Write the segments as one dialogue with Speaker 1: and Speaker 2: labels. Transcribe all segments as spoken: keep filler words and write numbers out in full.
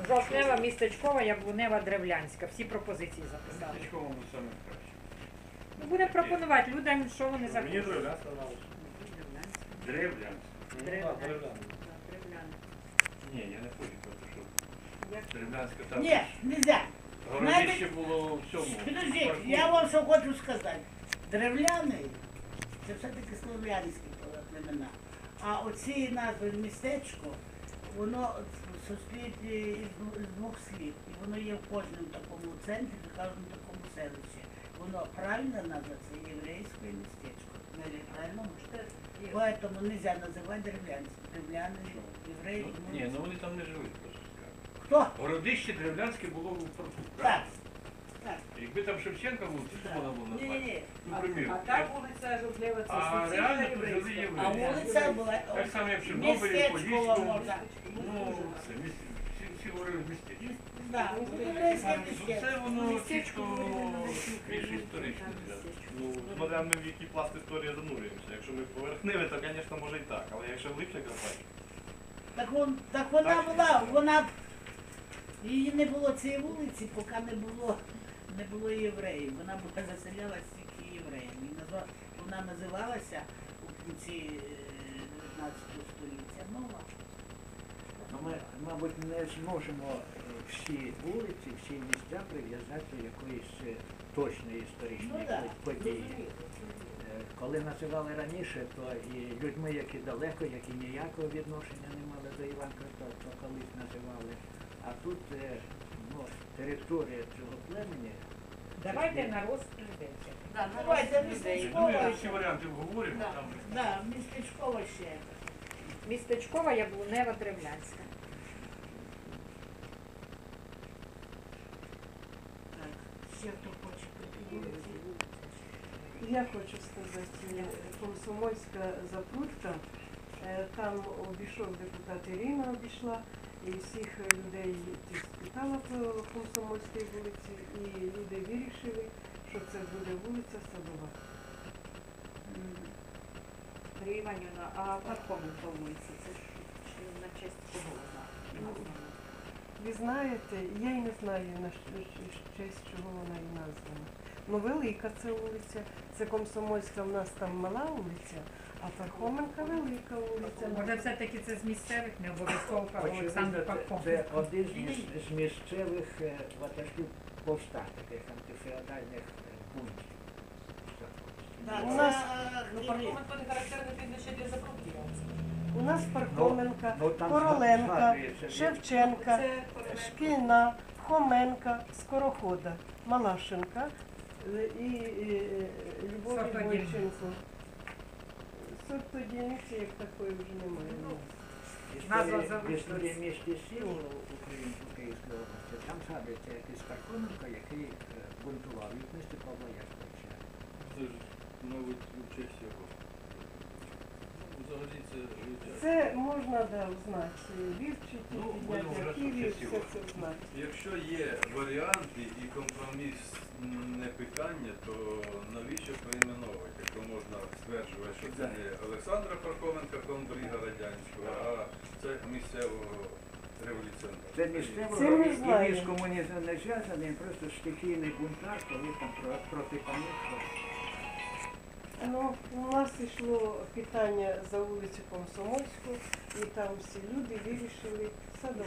Speaker 1: Жовтнева, Містечкова, Яблунева, Древлянська. Всі пропозиції записали.
Speaker 2: Містечкова буде саме краще.
Speaker 1: Ну, будемо пропонувати людям, що вони
Speaker 3: Мені
Speaker 1: захочуть.
Speaker 3: Древлянська нравиться.
Speaker 2: Древлянська.
Speaker 1: Древлянська.
Speaker 2: Ні, я не хочу, тому що Древлянська там.
Speaker 4: Ні, нельзя.
Speaker 2: Городище було в цьому.
Speaker 4: Підождіть, я вам що хочу сказати. Древляний – це все-таки слов'янські племена. А оці назви містечко, воно состоїть із двох слів. І воно є в кожному такому центрі, в кожному такому селищі. Воно правильна назва – це єврейське містечко. Правильно? Поэтому нельзя називати древлянське. Древляни, євреї.
Speaker 2: Ну, ні, ну вони там не живуть, просто скажу.
Speaker 4: Хто?
Speaker 2: Городище Древлянське було в Франку.
Speaker 4: Так. Так.
Speaker 2: Якби там Шевченка був, то що вона була
Speaker 4: Ні, ні,
Speaker 2: назвати?
Speaker 4: ні.
Speaker 2: Ну, примірно.
Speaker 5: А та вулиця Жовтлева, це
Speaker 2: А
Speaker 5: суцільна
Speaker 2: реально тут
Speaker 5: єврейська.
Speaker 2: жили євреї.
Speaker 4: А вулиця була
Speaker 2: Так само, як в Чорнобилі,
Speaker 4: містечкова
Speaker 2: Подільському.
Speaker 4: можна.
Speaker 2: Ну, все, міс- всі, всі говорили містечко.
Speaker 4: Да, єврейське
Speaker 2: Ну,
Speaker 4: містечко.
Speaker 2: це воно чітко більш історичне.
Speaker 3: Ну, смотря ми в який пласт історії занурюємося. Якщо ми поверхневі, то, звісно, може і так. Але якщо глибше копати,
Speaker 4: Так, вон, так вона була, вона, її не було цієї вулиці, поки не було, не було євреїв. Вона була заселялася тільки євреями. І назва, вона називалася у кінці дев'ятнадцятого століття Нова.
Speaker 6: Ну, ми, мабуть, не зможемо е, всі вулиці, всі місця прив'язати до якоїсь е, точної історичної
Speaker 4: Ну, да.
Speaker 6: події. Е, Коли називали раніше, то і людьми, які далеко, які ніякого відношення не мали до Іванка, то, то колись називали. А тут е, ну, територія цього племені.
Speaker 1: Давайте на розпределення.
Speaker 5: Да, на
Speaker 4: Давайте,
Speaker 5: розсуд людей.
Speaker 2: Ну, ми всі варіанти обговоримо,
Speaker 5: Да.
Speaker 2: там
Speaker 4: Да, містечково ще.
Speaker 1: Містечкова, Яблунева, Древлянська.
Speaker 4: Так, ще хто хоче подивитися.
Speaker 7: Я хочу сказати, Комсомольська Запрудка, е, там обійшов депутат Ірина, обійшла, і всіх людей ті спитала по Комсомольській вулиці, і люди вирішили, що це буде вулиця Садова.
Speaker 5: Марія Іванівна, а Пархоменка вулиця, це ж чи на честь кого вона?
Speaker 7: Ви знаєте, я й не знаю, на щ- щ- честь чого вона і названа. Ну, велика це вулиця, це Комсомольська, в нас там мала вулиця, а Пархоменка велика вулиця.
Speaker 1: Може, все-таки це з місцевих, не обов'язково Олександр
Speaker 6: Очевидно, це,
Speaker 1: Пархом.
Speaker 6: це один з, міс- з місцевих е, ватажків повстань, таких антифеодальних е, бунтів.
Speaker 4: Так,
Speaker 7: У нас-
Speaker 4: це,
Speaker 5: Ну,
Speaker 4: е,
Speaker 5: Пархоменко не характерне прізвище для Запрудки.
Speaker 7: У нас Пархоменка,
Speaker 6: Ну, там
Speaker 7: Короленка,
Speaker 6: згадується,
Speaker 7: Шевченка,
Speaker 5: Це Короленко.
Speaker 7: Шкільна, Хоменка, Скорохода, Малашенка е, і е, Любов
Speaker 1: Сортодільниця.
Speaker 7: Бойченко. Сортодільниці як такої вже немає. ні.
Speaker 1: Назва
Speaker 6: Історія,
Speaker 1: завжди.
Speaker 6: історія міста сіл Української Київської області, там згадується якийсь Пархоменко, який е, бунтував від міста Павла Яковлевича.
Speaker 2: це ж, мабуть, у честь його. Ну, взагалі це життя.
Speaker 7: Це можна да, узнати, вивчити,
Speaker 2: Ну,
Speaker 7: підняти
Speaker 2: будемо вже
Speaker 7: архіві,
Speaker 2: щось
Speaker 7: все
Speaker 2: його.
Speaker 7: це знати.
Speaker 2: Якщо є варіанти і компромісне питання, то навіщо перейменовувати, якщо можна стверджувати, що це не Олександра Пархоменка, комбрига радянського, а це місцевого революціонера.
Speaker 6: Це місцевого
Speaker 7: Це ми
Speaker 6: і
Speaker 7: знаємо.
Speaker 6: він з комунізмом не зв'язаний, він просто стихійний бунтар, коли там про- проти панів.
Speaker 7: Ну, у нас йшло питання за вулицю Комсомольську, і там всі люди вирішили Садова.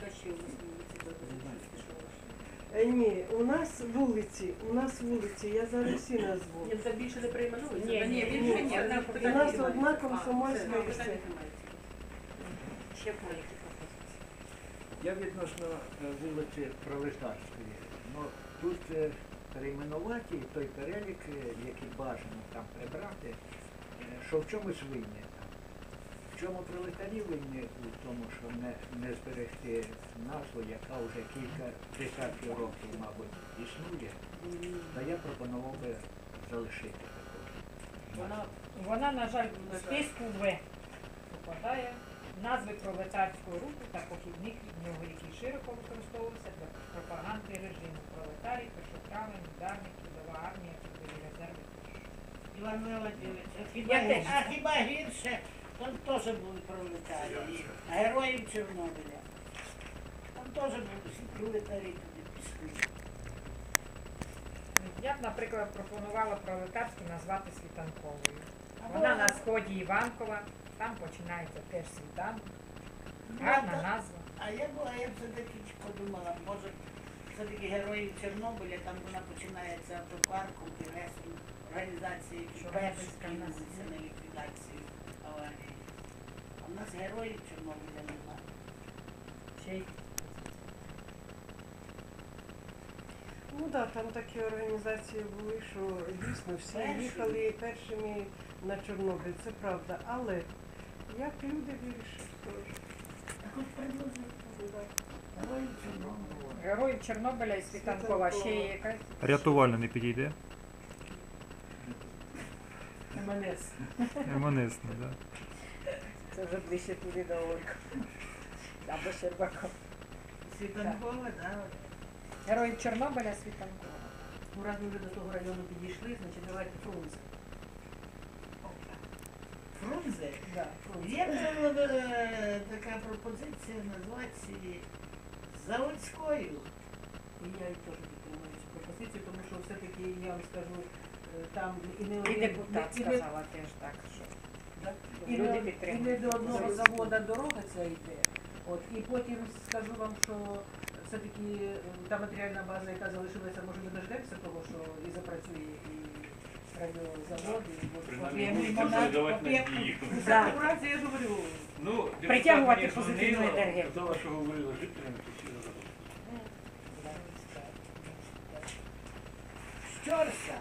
Speaker 7: Е, Ні, у нас вулиці, у нас вулиці, я зараз всі назву.
Speaker 5: Ні, це більше не перейменується?
Speaker 1: Ні,
Speaker 5: Та
Speaker 1: ні,
Speaker 5: він
Speaker 7: ні,
Speaker 5: же ні,
Speaker 7: ні.
Speaker 5: одна
Speaker 7: У
Speaker 5: питання
Speaker 7: нас
Speaker 5: немає.
Speaker 7: одна
Speaker 5: А,
Speaker 7: Комсомольська
Speaker 5: все,
Speaker 7: і все.
Speaker 5: питання немає. Ще маленькі пропозиції.
Speaker 6: Я відносно е, вулиці Пролетарської. Ну, тут е, перейменувати той перелік, е, який бажано там прибрати, е, що в чомусь винні там. В чому пролетарі винні? У тому, що не, не зберегти назву, яка вже кілька десятків років, мабуть, існує, то я пропонував би залишити таку.
Speaker 1: Вона, вона, на жаль, в списку В попадає назви пролетарського руху та похідних від нього, які широко використовувалися для пропаганди режиму. Пролетарій, першотравень, ударник, трудова армія, трудові резерви.
Speaker 4: Іван Володимирович, а хіба,
Speaker 1: Я теж.
Speaker 4: а хіба гірше? Там теж були пролетарії, героїв Чорнобиля. Там теж були всі пролетарі туди пішли.
Speaker 1: Я б, наприклад, пропонувала пролетарську назвати світанковою.
Speaker 4: Або-
Speaker 1: Вона на сході Іванкова, там починається теж світанок.
Speaker 4: Ну,
Speaker 1: Гарна
Speaker 4: а та-
Speaker 1: назва.
Speaker 4: А я була, я все-таки подумала, може, все-таки героїв Чорнобиля, там вона починається автопарком, Піресом, організації, які перші скинулися на ліквідацію аварії. А в нас героїв Чорнобиля немає.
Speaker 1: Ще й
Speaker 7: Ну так, там такі організації були, що дійсно всі
Speaker 4: Перші.
Speaker 7: їхали першими на Чорнобиль, це правда. Але як люди вирішили теж.
Speaker 4: Так от предложили. Героїв Чорнобиля.
Speaker 1: Героїв Чорнобиля і Світанкова. Ще є якась.
Speaker 8: Рятувальна не підійде.
Speaker 7: МНС.
Speaker 8: Емонесна, да.
Speaker 1: Це вже ближче туди до Олька. Або Щербакова.
Speaker 4: Світанкова, да.
Speaker 1: Героїв Чорнобиля Світанкова.
Speaker 9: Ну, раз ми вже до того району підійшли, значить давайте Фрунзе.
Speaker 4: Фрунзе.
Speaker 9: Да, Фрунзе.
Speaker 4: Є е, така пропозиція назвати її Заводською.
Speaker 9: І я їх теж підтримую цю пропозицію, тому що все-таки, я вам скажу, е, там і не
Speaker 1: І
Speaker 9: один-
Speaker 1: депутат
Speaker 9: і не-
Speaker 1: сказала теж так, що
Speaker 9: да,
Speaker 1: щоб
Speaker 9: і
Speaker 1: люди
Speaker 9: не, і
Speaker 1: підтримують.
Speaker 9: не до одного
Speaker 1: Заводську.
Speaker 9: завода дорога ця йде. От, і потім скажу вам, що все-таки е, та матеріальна база, яка залишилася, може не дождемося того, що і запрацює і радіозавод, і от-
Speaker 3: Принаймні,
Speaker 9: от-
Speaker 3: будуть
Speaker 9: і-
Speaker 3: консолідувати
Speaker 9: і-
Speaker 3: надії.
Speaker 9: За конкуренцію, я ж говорю.
Speaker 3: Ну, депутат
Speaker 1: Притягувати
Speaker 3: мені
Speaker 1: позитивну
Speaker 3: дзвонила,
Speaker 1: енергетику.
Speaker 3: казала, що говорила з жителями, то всі задоволені.
Speaker 4: Щорса.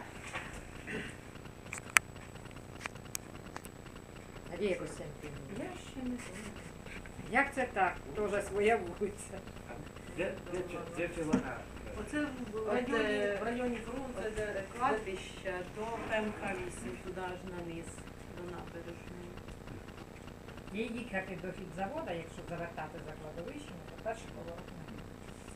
Speaker 1: Надія Костянтинівна.
Speaker 9: Я ще не знаю.
Speaker 1: Як це так? Тоже своя вулиця.
Speaker 6: Де, де, це- де це вона?
Speaker 9: Оце в
Speaker 5: От,
Speaker 9: районі,
Speaker 5: е,
Speaker 9: в районі Фрунзе,
Speaker 5: От
Speaker 9: де
Speaker 5: кладбище до ПМК вісім, туди аж на низ, до набережної.
Speaker 1: Є їхати до хідзавода, якщо завертати за кладовищем, то перший поворот на ліво.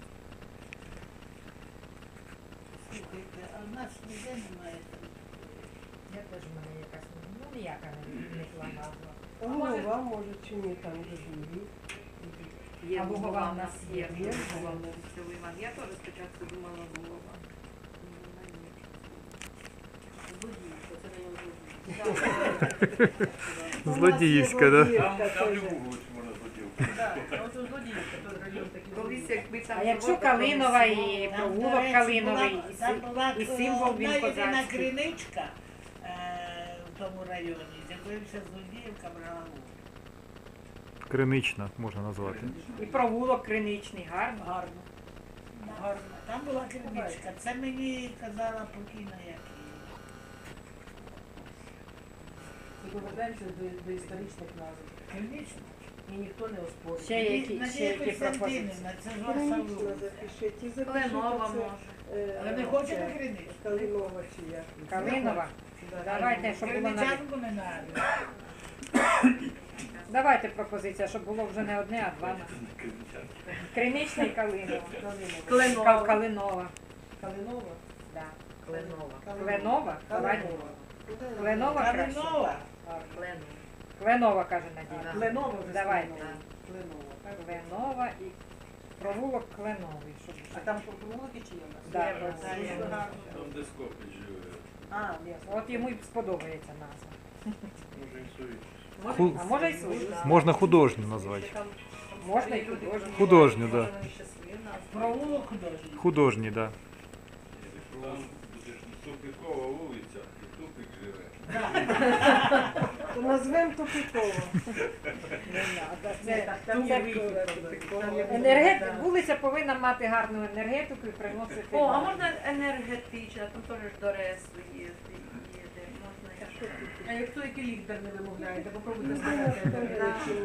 Speaker 4: Слухайте, а в нас ніде немає там.
Speaker 1: Я теж в мене якась, ну ніяка не вникла назва.
Speaker 7: Голова, може, чи ні, там же живі.
Speaker 5: Є
Speaker 1: А Лугова
Speaker 5: Лугова
Speaker 1: в
Speaker 5: в
Speaker 1: нас
Speaker 5: нас
Speaker 1: є,
Speaker 5: є,
Speaker 1: є
Speaker 5: Лугова
Speaker 1: Лугова.
Speaker 5: в селі Іван. Я теж спочатку думала Лугова. Ну, вона ні.
Speaker 9: Злодіївка, це район Злодіївка.
Speaker 8: Злодіївська, да?
Speaker 3: Там, там любу вулицю можна злодівку.
Speaker 9: Так, а оце Злодіївка, той район такий.
Speaker 5: Колись якби там
Speaker 1: А якщо
Speaker 5: завод
Speaker 1: Калинова
Speaker 5: промисловий,
Speaker 1: і
Speaker 4: Там,
Speaker 1: провулок
Speaker 4: до речі,
Speaker 1: Калиновий,
Speaker 4: була-
Speaker 1: і,
Speaker 4: там
Speaker 1: сим-
Speaker 4: була
Speaker 1: і символ
Speaker 4: одна
Speaker 1: він
Speaker 4: єдина
Speaker 1: козацький.
Speaker 4: криничка е, в тому районі, з якою вся Злодіївка брала участь.
Speaker 8: Кринична можна назвати.
Speaker 1: І провулок Криничний, гарно.
Speaker 9: Гарно.
Speaker 4: Гарно. Там була криничка. Це мені казала покійна як її.
Speaker 9: Ми повертаємося до, до історичних назв.
Speaker 4: Кринична.
Speaker 9: І ніхто не оспорює.
Speaker 1: Ще є які, ще
Speaker 4: Надія
Speaker 1: які пропозиції?
Speaker 4: Костянтинівна, це ж ваша
Speaker 7: Калинічна
Speaker 4: вулиця.
Speaker 7: запишіть. І запишіть
Speaker 5: Кленова
Speaker 7: оце,
Speaker 5: може.
Speaker 7: е,
Speaker 4: Але ви
Speaker 7: це,
Speaker 4: хочете криничку?
Speaker 7: Калинова чи як?
Speaker 1: Калинова?
Speaker 7: Да.
Speaker 1: Давайте, щоб було на...
Speaker 4: Криничанку не надо.
Speaker 1: Давайте пропозиція, щоб було вже не одне, а два. Кринична і Калинова.
Speaker 9: Кленова.
Speaker 1: Кал- Калинова.
Speaker 9: Калинова?
Speaker 1: Да.
Speaker 5: Кленова.
Speaker 1: Кленова? Давайте. Кленова краще.
Speaker 4: Калинова.
Speaker 5: Кленова.
Speaker 1: Кленова, каже Надія.
Speaker 5: Да.
Speaker 9: Кленова вже
Speaker 1: Давайте.
Speaker 9: Кленова. Кленова. так?
Speaker 1: Кленова і провулок Кленовий. Щоб...
Speaker 9: А там по провулки чи є у нас?
Speaker 1: Да,
Speaker 5: Є,
Speaker 1: провулок.
Speaker 5: да, є.
Speaker 2: Там де Скопич живе.
Speaker 9: А, ясно.
Speaker 1: От йому й сподобається назва.
Speaker 3: Може і совість.
Speaker 8: Ху-
Speaker 1: А може й свою.
Speaker 8: Можна художню назвати.
Speaker 1: Можна і художню.
Speaker 8: Художню, да.
Speaker 4: Провулок художній.
Speaker 8: Художні, да.
Speaker 2: Там буде ж тупикова вулиця, і тупик живе.
Speaker 7: То назвемо Тупикова.
Speaker 1: Не надо.
Speaker 9: Ні,
Speaker 1: Це,
Speaker 9: так, там
Speaker 1: це
Speaker 9: є вихід, там є
Speaker 1: енергет...
Speaker 9: да.
Speaker 1: Вулиця повинна мати гарну енергетику і приносити.
Speaker 5: О, а можна енергетична, там теж ж до ресу є, є, де можна якщо.
Speaker 9: А якщо який лікар не вимовляєте, попробуйте сказати.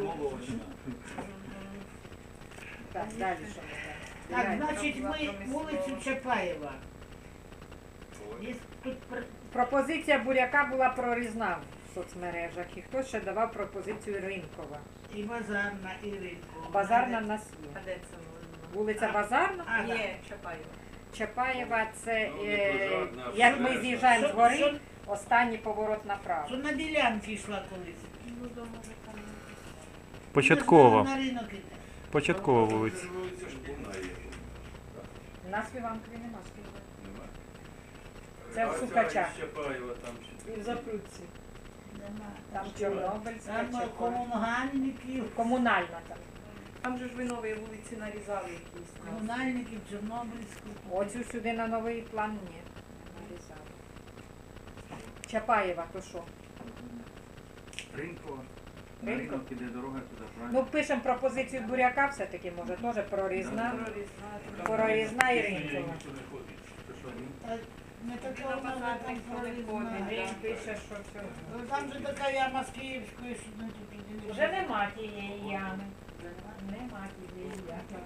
Speaker 1: Так, далі що ми
Speaker 4: Так,
Speaker 1: знаємо?
Speaker 4: значить, ми вулицю Чапаєва. Є тут пр-
Speaker 1: Пропозиція Буряка була прорізна в соцмережах. І хтось ще давав пропозицію Ринкова.
Speaker 4: і Базарна, і Ринкова.
Speaker 1: Базарна в нас
Speaker 5: А
Speaker 1: є.
Speaker 5: де це воно?
Speaker 1: Вулиця Базарна.
Speaker 4: А, так.
Speaker 5: Ні, Чапаєва.
Speaker 1: Чапаєва це,
Speaker 2: Ну, не
Speaker 1: е,
Speaker 2: Базарна, а
Speaker 1: як ми
Speaker 2: Базарна.
Speaker 1: з'їжджаємо з
Speaker 4: Що-
Speaker 1: гори,
Speaker 4: що-
Speaker 1: останній поворот направо.
Speaker 4: Що на ділянки йшла колись.
Speaker 5: Ну, то може там.
Speaker 8: Початкова.
Speaker 4: На ринок іде.
Speaker 8: Початкова вулиця.
Speaker 2: Вулиця Шкільна є.
Speaker 1: На Співанкові нема співати.
Speaker 2: Нема?
Speaker 1: Це в
Speaker 2: А ця
Speaker 1: Сукачах.
Speaker 2: із Чапаєва там ще.
Speaker 7: І в Запрудці.
Speaker 4: Нема.
Speaker 1: Там Чорнобильська,
Speaker 4: Там
Speaker 1: Чапаєва.
Speaker 4: комунальників,
Speaker 1: Комунальна там.
Speaker 5: Там же ж ви нові вулиці нарізали якісь.
Speaker 4: комунальників Чорнобильську.
Speaker 1: Оцю сюди на новий план ні. Не нарізали. Чапаєва, то що?
Speaker 10: Ринкова.
Speaker 1: На
Speaker 10: На
Speaker 1: ринок
Speaker 10: ринок іде дорога туди, правильно?
Speaker 1: Ну, пишемо пропозицію буряка все-таки, може, теж прорізна. Прорізна і ринкова.
Speaker 4: Та не такого
Speaker 5: На
Speaker 4: вона
Speaker 5: базар
Speaker 4: там
Speaker 5: ніхто не
Speaker 4: прорізна.
Speaker 5: ходить.
Speaker 1: Він пише, що це.
Speaker 4: Ну, там же така яма з Київської, що ну, тут іди не
Speaker 1: Вже нема тієї ями. Нема тієї ями.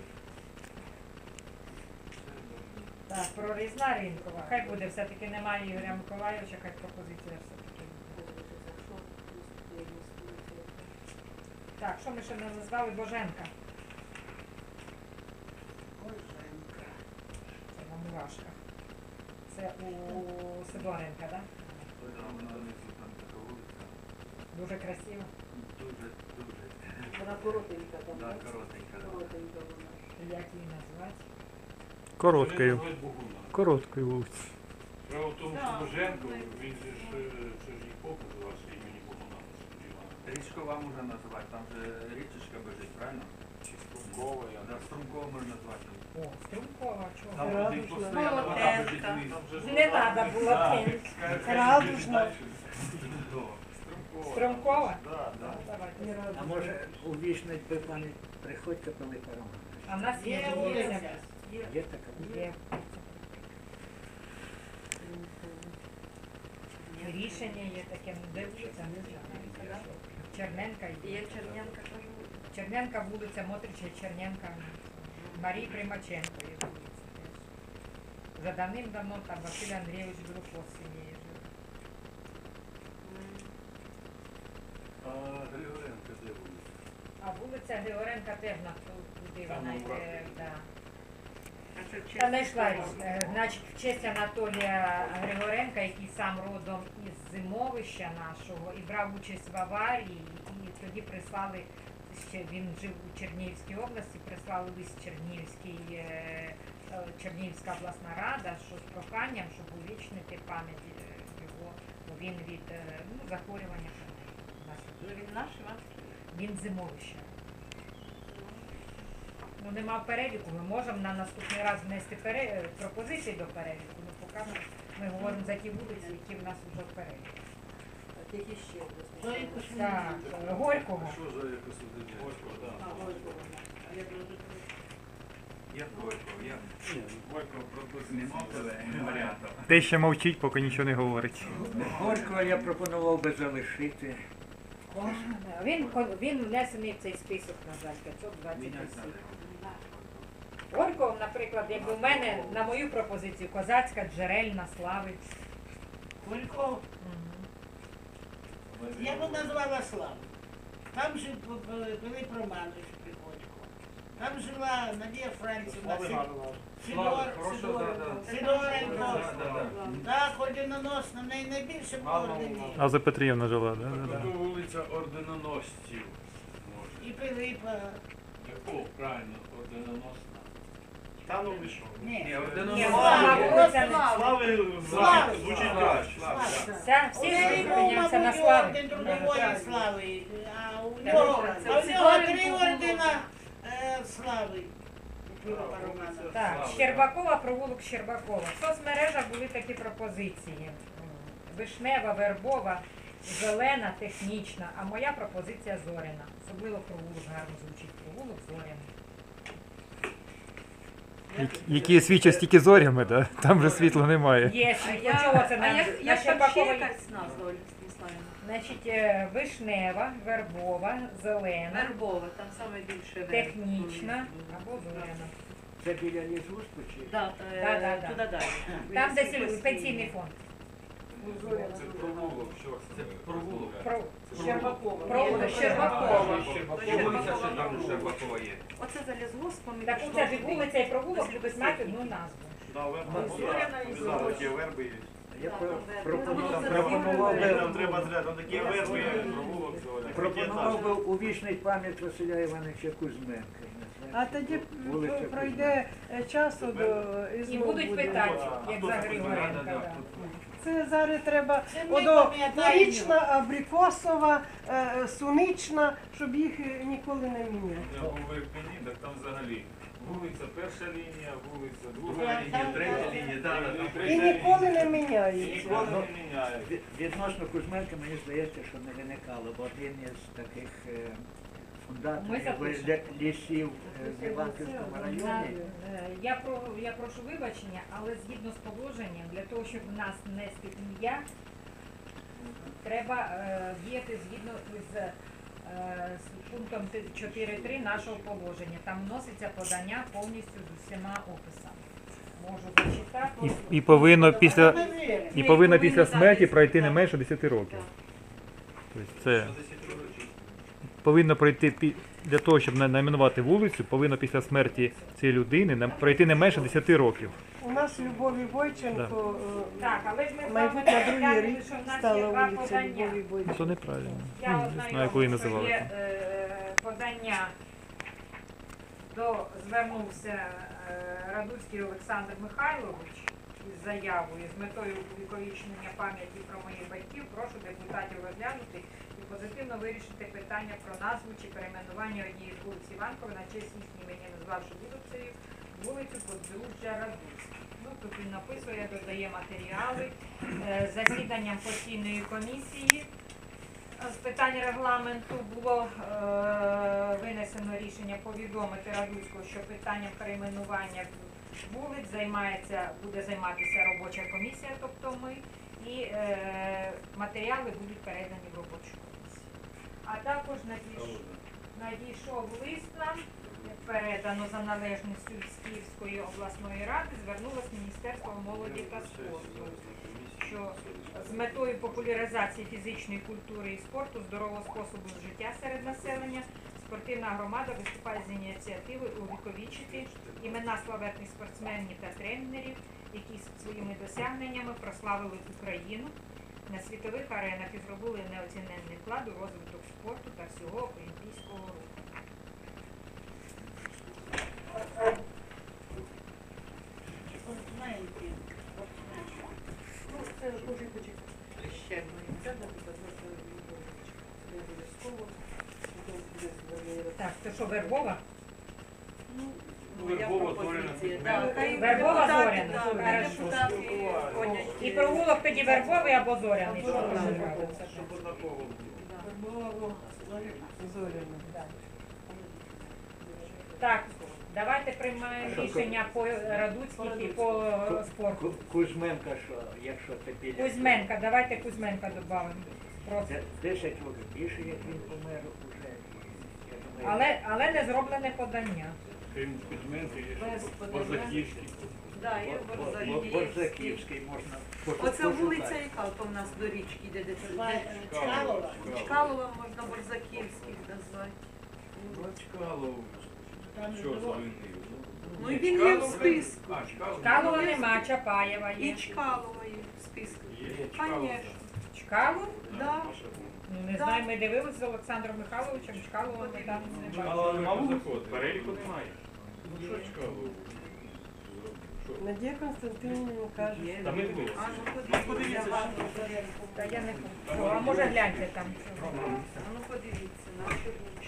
Speaker 1: Так, прорізна ринкова. Хай буде, все-таки немає Ігоря Миколайовича, хай пропозиція все-таки. Так, що ми ще не назвали? Боженка.
Speaker 4: Боженка.
Speaker 1: Це на Мурашках. Це у Сидоренка, так?
Speaker 10: Да, вона внизу там така вулиця.
Speaker 1: Дуже красиво.
Speaker 10: Дуже, дуже.
Speaker 7: Вона коротенька там.
Speaker 10: Да,
Speaker 7: так?
Speaker 10: коротенька. да.
Speaker 7: Коротенька вона.
Speaker 1: Як її назвати?
Speaker 8: Короткою. Короткою вулицею.
Speaker 11: Справа в тому, що
Speaker 5: Да,
Speaker 11: Боженко,
Speaker 5: ми-
Speaker 11: він же ж, е, це ж її поп називався імені Богдана Сергіївна.
Speaker 10: Річкова можна назвати, там же річечка бежить, правильно?
Speaker 11: Чи Струмкова, я
Speaker 10: Да, Струмкова можна назвати.
Speaker 1: О, Струмкова, чого?
Speaker 10: Там
Speaker 7: Радужна.
Speaker 10: туди постійно вода бежить вниз.
Speaker 11: Там же ж
Speaker 1: Не
Speaker 11: вода.
Speaker 1: треба було
Speaker 11: Да.
Speaker 1: тенк.
Speaker 11: Скажи,
Speaker 1: Радужна.
Speaker 11: дальше. Струмкова.
Speaker 1: Струмкова?
Speaker 11: Да, да.
Speaker 1: Ну, давайте.
Speaker 7: Не
Speaker 6: А
Speaker 7: радужна.
Speaker 6: може увічнить би пані Приходько Пилипа Романовича?
Speaker 1: А в нас є
Speaker 4: Є
Speaker 1: вулиця.
Speaker 4: вулиця.
Speaker 6: Є така вулиця?
Speaker 1: Є. Рішення є таке, ну де вулиця, не знаю. Черненка
Speaker 5: Є
Speaker 1: є.
Speaker 5: Чернянка, кажу.
Speaker 1: Черненка вулиця, Мотрича, Черненка. Марії Примаченко є вулиця теж. Вже давним-давно там Василь Андрійович Друков сім'єю жив.
Speaker 2: А Григоренко де вулиця?
Speaker 1: А вулиця Григоренка теж на ту- туди
Speaker 11: Там
Speaker 1: вона
Speaker 11: у
Speaker 1: йде,
Speaker 11: Братові.
Speaker 1: да.
Speaker 5: А це в
Speaker 1: Та знайшла
Speaker 5: честь
Speaker 1: річ. Е, Значить, в честь Анатолія Григоренка, який сам родом із Зимовища нашого і брав участь в аварії, і тоді прислали, ще він жив у Чернігівській області, прислали лист Чернігівський, е, е, Чернігівська обласна рада, що з проханням, щоб увічнити пам'ять е, його, бо він від е, ну, захворювання.
Speaker 5: Ну, він наш, Іванський.
Speaker 1: Він з Зимовища. Ну, нема в переліку, ми можемо на наступний раз внести пере... пропозиції до переліку, ну поки ми, ми говоримо за ті вулиці, які в нас вже в переліку.
Speaker 7: Так, які ще?
Speaker 4: То якось ми-
Speaker 1: Так, е, Горького.
Speaker 2: Що за якось один?
Speaker 11: Горько, да.
Speaker 7: А, Горького. А я думаю,
Speaker 10: Я Горького, я
Speaker 11: Горько прописано.
Speaker 10: нема тебе варіантів.
Speaker 8: Те ще мовчить, поки нічого не говорить.
Speaker 6: Горького я пропонував би залишити.
Speaker 1: Він, ко- він внесений в цей список, на жаль, п'ятсот двадцять
Speaker 10: Міняти
Speaker 1: осіб.
Speaker 10: треба.
Speaker 1: Горького, наприклад, якби у мене, на мою пропозицію, козацька, джерельна, слави.
Speaker 4: Колько? Я б назвала Славу. Там жив П- П- Пилип Романович Приходько. Там жила Надія Францівна,
Speaker 3: Слави
Speaker 4: Си-
Speaker 3: гарно.
Speaker 4: Сидор,
Speaker 2: Хороша, да, да.
Speaker 4: Сидоренко.
Speaker 2: Да, да, да.
Speaker 4: Так, орденоносна, в неї найбільше було
Speaker 3: Гарно,
Speaker 4: орденів.
Speaker 8: А за Петрівна жила, да? да,
Speaker 2: Тобто
Speaker 8: да.
Speaker 2: вулиця орденоносців. Може.
Speaker 4: І Пилипа.
Speaker 11: Яку правильно орденоносна?
Speaker 3: Та ну ви що?
Speaker 4: Ні,
Speaker 2: Ні, орденоносна.
Speaker 1: Ні,
Speaker 4: Слава,
Speaker 1: Слава,
Speaker 4: просто
Speaker 1: Слава.
Speaker 3: Слави
Speaker 4: Слава.
Speaker 3: звучить- звучить
Speaker 2: Слава,
Speaker 3: краще.
Speaker 2: слава, да.
Speaker 1: Вся, всі
Speaker 4: Всі
Speaker 1: прийняться на
Speaker 4: мабуть,
Speaker 1: славі.
Speaker 4: орден трудової слави, а у
Speaker 1: Так,
Speaker 4: нього,
Speaker 1: це
Speaker 4: а у
Speaker 5: всі
Speaker 4: нього
Speaker 5: орден
Speaker 4: три
Speaker 5: було.
Speaker 4: ордена е, слави. У Пилипа Романовича.
Speaker 1: Так,
Speaker 2: Слава,
Speaker 1: Щербакова, провулок Щербакова. В соцмережах були такі пропозиції. Вишнева, вербова, зелена, технічна, а моя пропозиція зоряна. Особливо провулок гарно звучить. Провулок зоряна.
Speaker 8: Які- Які свідчать тільки зорями, да? Там же світла немає.
Speaker 1: Є,
Speaker 5: А
Speaker 1: світло,
Speaker 5: я,
Speaker 1: чого це
Speaker 5: а
Speaker 1: на,
Speaker 5: як,
Speaker 1: на
Speaker 5: як там ще
Speaker 1: Щербакова?
Speaker 5: якась назва, Ольга Станіславівна?
Speaker 1: Значить, е, вишнева, вербова, зелена,
Speaker 5: Вербова, там саме більше верб.
Speaker 1: технічна або зоряна.
Speaker 6: Це біля лісгоспу чи?
Speaker 5: Да,
Speaker 1: Да,
Speaker 5: е,
Speaker 1: да, да.
Speaker 5: туди далі.
Speaker 1: Там, де сіль- пенсійний фонд.
Speaker 2: Це провулок, що це? Провулок.
Speaker 1: Про...
Speaker 7: Щербакова.
Speaker 1: Провулок Щербакова.
Speaker 10: Вулиця ще там Щербакова є.
Speaker 5: Оце за лісгоспом. і
Speaker 1: Так
Speaker 5: пішло
Speaker 1: оце ж
Speaker 5: туди.
Speaker 1: вулиця і провулок
Speaker 5: Ось
Speaker 1: любить мати одну назву.
Speaker 3: Да, верба
Speaker 5: Зоряна і
Speaker 3: є.
Speaker 5: Зоряна.
Speaker 3: Ті верби є.
Speaker 6: Я
Speaker 5: Так,
Speaker 6: про-
Speaker 5: там
Speaker 6: пропонував,
Speaker 5: там
Speaker 6: пропонував би,
Speaker 3: Там треба зря, там такі верби, як провулок сьогодні.
Speaker 6: пропонував би увічнити пам'ять Василя Івановича Кузьменка.
Speaker 7: А тоді
Speaker 6: Вулиця
Speaker 7: п- пройде е, часу до і
Speaker 1: І
Speaker 7: знову
Speaker 1: будуть
Speaker 7: буде.
Speaker 1: питати,
Speaker 3: А
Speaker 1: як
Speaker 3: хто
Speaker 1: за
Speaker 3: це
Speaker 1: Григоренка.
Speaker 3: Кузьменка?
Speaker 1: да.
Speaker 7: Це зараз треба
Speaker 4: Це ми
Speaker 7: одо
Speaker 4: пам'ятаємо.
Speaker 7: Порічна, Абрикосова, е, Сунична, щоб їх е, ніколи не міняти.
Speaker 11: Я був в Ірпені, так там взагалі вулиця перша лінія, вулиця друга
Speaker 2: Друга
Speaker 11: лінія,
Speaker 2: лінія, третя лінія, да, да, там
Speaker 7: І
Speaker 2: третя
Speaker 7: ніколи не
Speaker 11: і
Speaker 7: міняється.
Speaker 11: ніколи не міняють.
Speaker 6: Від- Відносно Кузьменка, мені здається, що не виникало, бо один із таких е,
Speaker 1: Ми
Speaker 6: фундаторів
Speaker 1: запишемо.
Speaker 6: ле- лісів е, в Іванківському
Speaker 1: На-
Speaker 6: районі.
Speaker 1: е, Я про я прошу вибачення, але згідно з положенням, для того, щоб в нас внести ім'я, треба е, діяти згідно з, е, з пунктом чотири три нашого положення. Там вноситься подання повністю з усіма описами. Можу зачитати.
Speaker 8: І, і повинно після
Speaker 4: Ми віримо.
Speaker 8: і повинно після смерті пройти не менше десяти років. Тобто це повинно пройти пі- для того, щоб на- найменувати вулицю, повинно після смерті цієї людини нам- пройти не менше десяти років.
Speaker 7: У нас Любові Бойченко е,
Speaker 1: Так, але ж ми з вами
Speaker 7: майбутня другий
Speaker 1: розглянули,
Speaker 7: рік
Speaker 1: що в нас є
Speaker 7: стала
Speaker 1: два
Speaker 7: вулиця
Speaker 1: подання.
Speaker 7: Любові
Speaker 8: Ну,
Speaker 7: Бойченко.
Speaker 8: це неправильно.
Speaker 1: Я
Speaker 8: Ну, не знаю, як ви її
Speaker 1: ознайомлю, що
Speaker 8: називали.
Speaker 1: є е, подання, до звернувся е, Радуцький Олександр Михайлович із заявою з метою увіковічнення пам'яті про моїх батьків. Прошу депутатів розглянути і позитивно вирішити питання про назву чи перейменування однієї з вулиць Іванкової на честь їхнім імені, назвавши вулицею вулицю Подружжя Радуцьких. Ну, тут він написує, додає матеріали е, засіданням постійної комісії з питань регламенту було е, винесено рішення повідомити Радуцького, що питанням перейменування вулиць займається, буде займатися робоча комісія, тобто ми, і е, матеріали будуть передані в робочу комісію. А також надійш- надійшов лист нам, передано за належністю з Київської обласної ради, звернулось Міністерство молоді та спорту, що з метою популяризації фізичної культури і спорту, здорового способу життя серед населення, спортивна громада виступає з ініціативою увіковічити імена славетних спортсменів та тренерів, які своїми досягненнями прославили Україну на світових аренах і зробили неоціненний вклад у розвиток спорту та всього олімпійського руху.
Speaker 4: Знаєте, от,
Speaker 9: Ну, це дуже почекати. Ще одне ім'я, наприклад, не обов'язково.
Speaker 1: Так, це що, Вербова?
Speaker 5: Ну,
Speaker 11: Моя
Speaker 5: Вербова
Speaker 11: пропозиція,
Speaker 5: Зоряна.
Speaker 11: да.
Speaker 5: Хай
Speaker 1: Вербова
Speaker 5: депутати,
Speaker 1: Зоряна.
Speaker 5: да,
Speaker 1: Хорошо.
Speaker 5: хай депутати ходять.
Speaker 1: І провулок тоді Вербовий або Зоряний. Що
Speaker 5: Або
Speaker 1: вам
Speaker 5: Зоряний.
Speaker 1: нравиться?
Speaker 11: Щоб однаково було.
Speaker 7: Було Зоряна.
Speaker 1: Так, давайте приймаємо рішення по Радуцьких і по е, спорту.
Speaker 6: Ку- Кузьменка, що якщо це біля...
Speaker 1: Кузьменка, давайте Кузьменка додамо. Просто.
Speaker 6: Це десять років більше, як він помер уже. Я думаю,
Speaker 1: Але, але не зроблене подання.
Speaker 11: Крім Кузьменка, є
Speaker 5: Без
Speaker 11: ще
Speaker 5: подання.
Speaker 11: Борзаківський.
Speaker 5: Да, є
Speaker 6: Бо- бо-
Speaker 5: Борзаківський.
Speaker 6: Борзаківський можна пошукати.
Speaker 5: Оце вулиця, яка то в нас до річки йде, де це
Speaker 4: Ба-
Speaker 5: де-
Speaker 4: Чкалова.
Speaker 5: Чкалова можна Борзаківських назвати.
Speaker 2: Бачкалов.
Speaker 4: Там
Speaker 2: Що
Speaker 4: було.
Speaker 2: звільнив?
Speaker 5: Ну і він є в списку.
Speaker 11: А, Чкалов.
Speaker 1: Чкалова нема, Чапаєва
Speaker 5: І
Speaker 1: є.
Speaker 5: Чкалова є в списку.
Speaker 11: Є Чкалов.
Speaker 5: Конечно.
Speaker 1: Чкалов?
Speaker 5: Да.
Speaker 1: Ну, не
Speaker 5: Так.
Speaker 1: знаю, ми дивилися з Олександром Михайловичем, Чкалова ми там не бачили.
Speaker 11: Чкалова нема вулиці? Переліку немає.
Speaker 2: Ну що Чкалов? Що?
Speaker 7: Надія Константинівна каже,
Speaker 11: Та ми дивилися.
Speaker 5: А, ну подивіться.
Speaker 1: Та я не хочу. А може гляньте там.
Speaker 5: А ну подивіться, на що